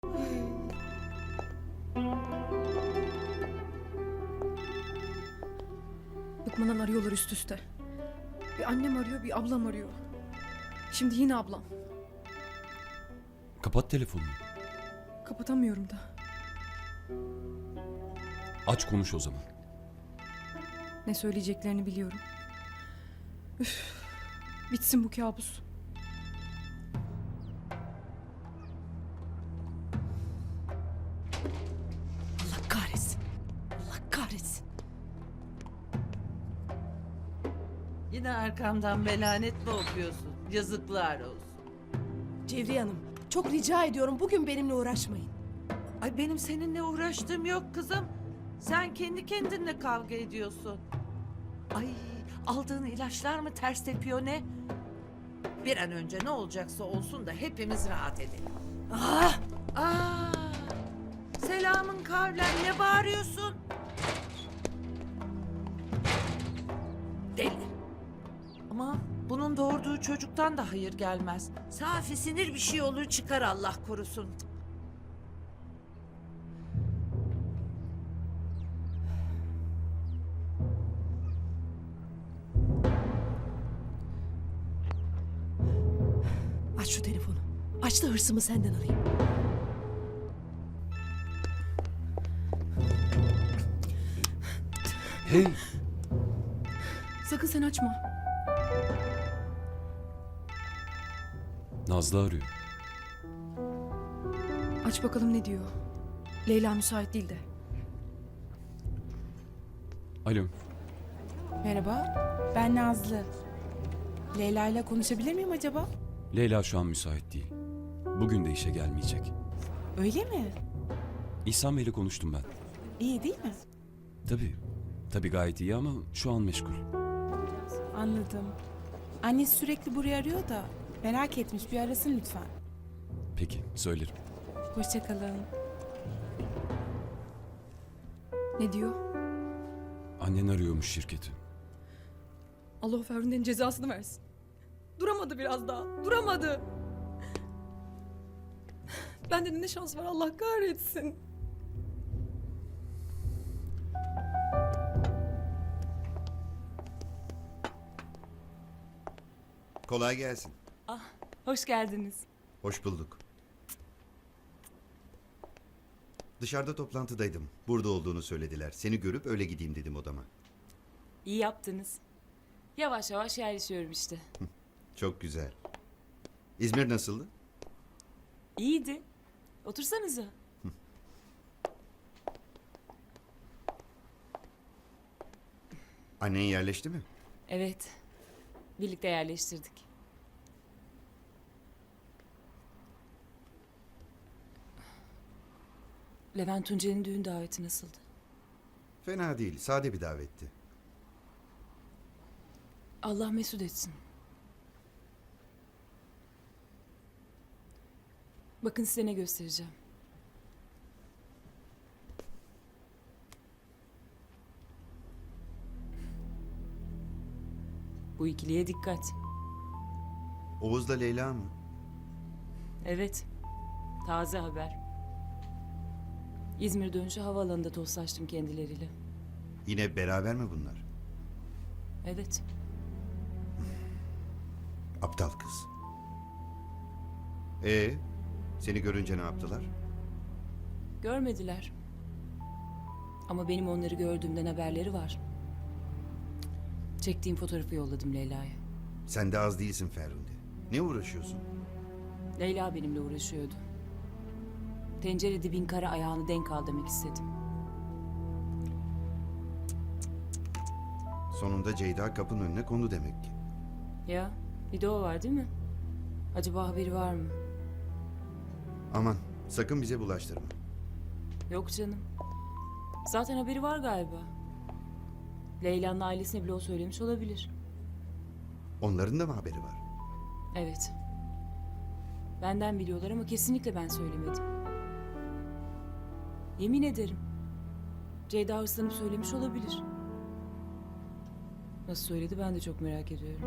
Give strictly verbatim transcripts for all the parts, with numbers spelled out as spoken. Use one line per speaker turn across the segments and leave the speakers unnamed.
Bıkmadan arıyorlar üst üste. Bir annem arıyor, bir ablam arıyor. Şimdi yine ablam.
Kapat telefonunu.
Kapatamıyorum da.
Aç konuş o zaman.
Ne söyleyeceklerini biliyorum. Üf, bitsin bu kabus.
Allah kahretsin. Allah kahretsin.
Yine arkamdan melanet mi okuyorsun? Yazıklar olsun.
Cevriye Hanım, çok rica ediyorum bugün benimle uğraşmayın.
Ay benim seninle uğraştığım yok kızım. Sen kendi kendinle kavga ediyorsun. Ay aldığın ilaçlar mı ters tepiyor ne? Bir an önce ne olacaksa olsun da hepimiz rahat edelim.
Ah!
Aa, selamın kavlen ne bağırıyorsun? Deli. Ama bunun doğurduğu çocuktan da hayır gelmez. Safi sinir bir şey olur çıkar Allah korusun.
Aç şu telefonu. Aç da hırsımı senden alayım.
Hey!
Sakın sen açma.
Nazlı arıyor.
Aç bakalım ne diyor. Leyla müsait değil de.
Alo.
Merhaba, ben Nazlı. Leyla ile konuşabilir miyim acaba?
Leyla şu an müsait değil. Bugün de işe gelmeyecek.
Öyle mi?
İhsan Bey'le konuştum ben.
İyi değil mi?
Tabii. Tabii gayet iyi ama şu an meşgul.
Anladım. Annesi sürekli buraya arıyor da merak etmiş, bir arasın lütfen.
Peki, söylerim.
Hoşça kalın.
Ne diyor?
Annen arıyormuş şirketi.
Allah o Ferhunde'nin cezasını versin. Duramadı biraz daha. Duramadı. Bende de ne şans var Allah kahretsin.
Kolay gelsin.
Hoş geldiniz.
Hoş bulduk. Dışarıda toplantıdaydım. Burada olduğunu söylediler. Seni görüp öyle gideyim dedim odama.
İyi yaptınız. Yavaş yavaş yerleşiyorum işte.
Çok güzel. İzmir nasıldı?
İyiydi. Otursanıza.
Annen yerleşti mi?
Evet. Birlikte yerleştirdik. Levent Tuncer'in düğün daveti nasıldı?
Fena değil. Sade bir davetti.
Allah mesut etsin. Bakın size ne göstereceğim. Bu ikiliye dikkat.
Oğuz'la Leyla mı?
Evet. Taze haber. İzmir dönüşü havaalanında tostlaştım kendileriyle.
Yine beraber mi bunlar?
Evet.
Aptal kız. Ee, seni görünce ne yaptılar?
Görmediler. Ama benim onları gördüğümden haberleri var. Çektiğim fotoğrafı yolladım Leyla'ya.
Sen de az değilsin Ferhunde. Ne uğraşıyorsun?
Leyla benimle uğraşıyordu. Tencere dibin kara ayağını denk al demek istedim.
Sonunda Ceyda kapının önüne kondu demek ki.
Ya bir de o var değil mi? Acaba haberi var mı?
Aman sakın bize bulaştırma.
Yok canım. Zaten haberi var galiba. Leyla'nın ailesine bile o söylemiş olabilir.
Onların da mı haberi var?
Evet. Benden biliyorlar ama kesinlikle ben söylemedim. Yemin ederim. Ceyda hırslanıp söylemiş olabilir. Nasıl söyledi ben de çok merak ediyorum.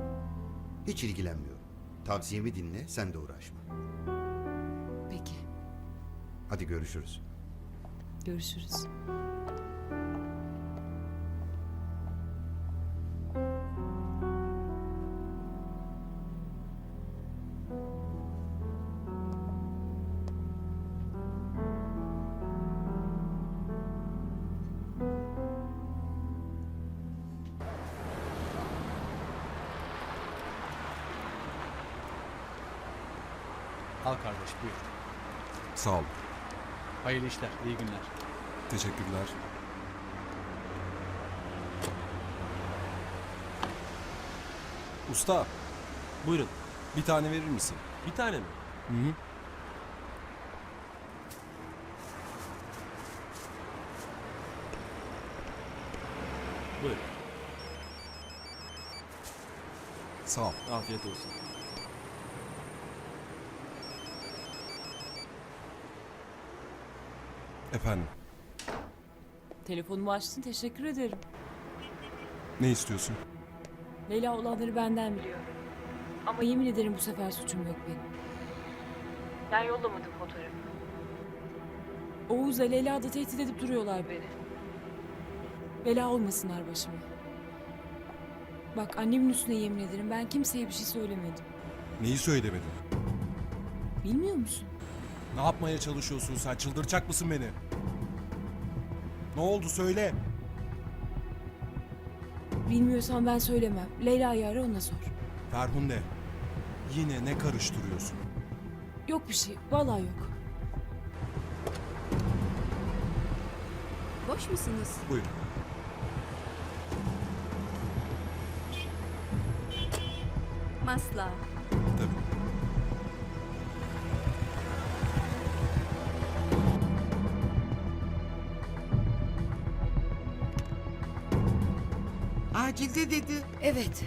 Hiç ilgilenmiyorum. Tavsiyemi dinle, sen de uğraşma.
Peki.
Hadi görüşürüz.
Görüşürüz.
Al kardeş buyur.
Sağ ol.
Hayırlı işler, iyi günler.
Teşekkürler. Usta,
Buyurun.
bir tane verir misin?
Bir tane mi?
Hı hı.
Buyurun.
Sağ ol.
Afiyet olsun.
Efendim,
Telefonumu açtın, teşekkür ederim.
ne istiyorsun?
Leyla olanları benden biliyor. Ama yemin ederim bu sefer suçum yok benim. Ben yollamadım fotoğrafı. Oğuz'la Leyla da tehdit edip duruyorlar beni. Bela olmasınlar başıma. Bak annemin üstüne yemin ederim ben kimseye bir şey söylemedim.
Neyi söylemedin?
Bilmiyor musun?
Ne yapmaya çalışıyorsun sen? Çıldıracak mısın beni? Ne oldu söyle.
Bilmiyorsan ben söylemem. Leyla'yı ara ona sor.
Ferhunde, yine ne karıştırıyorsun?
Yok bir şey. Vallahi yok.
Boş musunuz?
Buyurun.
Masla.
Tabii.
Acilde dedi.
Evet.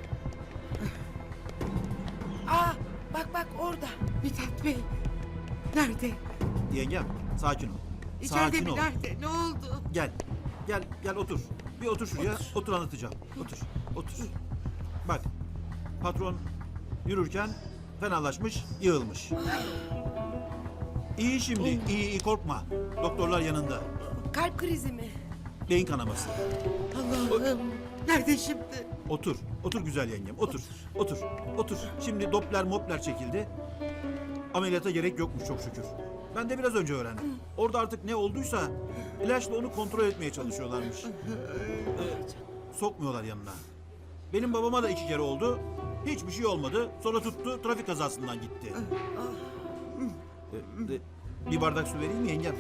Aa, bak bak orada.
Mithat Bey. Nerede?
Yengem, sakin ol.
İçeride
Sakin
mi?
ol.
Nerede? Ne oldu?
Gel. Gel, gel otur. Bir otur şuraya. Otur, anlatacağım. Otur, otur. Bak, patron yürürken fenalaşmış, yığılmış. İyi şimdi, iyi iyi korkma. Doktorlar yanında.
Kalp krizi mi?
Beyin kanaması.
Allah'ım. Nerede şimdi?
Otur, otur güzel yengem, otur. Otur, otur. Şimdi Doppler mopler çekildi. Ameliyata gerek yokmuş çok şükür. Ben de biraz önce öğrendim. Orada artık ne olduysa ilaçla onu kontrol etmeye çalışıyorlarmış. Ee, sokmuyorlar yanına. Benim babama da iki kere oldu. Hiçbir şey olmadı. Sonra tuttu, trafik kazasından gitti. Ee, de- bir bardak su vereyim mi yengem?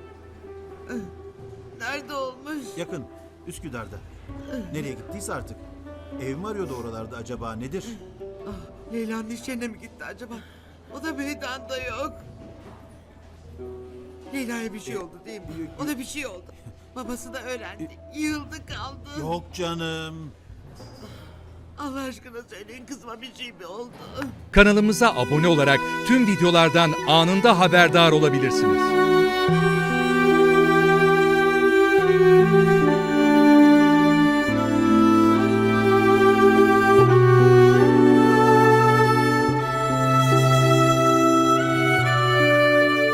Nerede olmuş?
Yakın, Üsküdar'da. Nereye gittiyse artık. Ev mi arıyordu oralarda acaba, nedir?
Ah, Leyla'nın iş yerine mi gitti acaba? O da meydanda yok. Leyla'ya bir şey oldu değil mi? Ona bir şey oldu. Babası da öğrendi. Yığıldı kaldı.
Yok canım.
Allah aşkına söyleyin kızıma bir şey mi oldu?
Kanalımıza abone olarak tüm videolardan anında haberdar olabilirsiniz.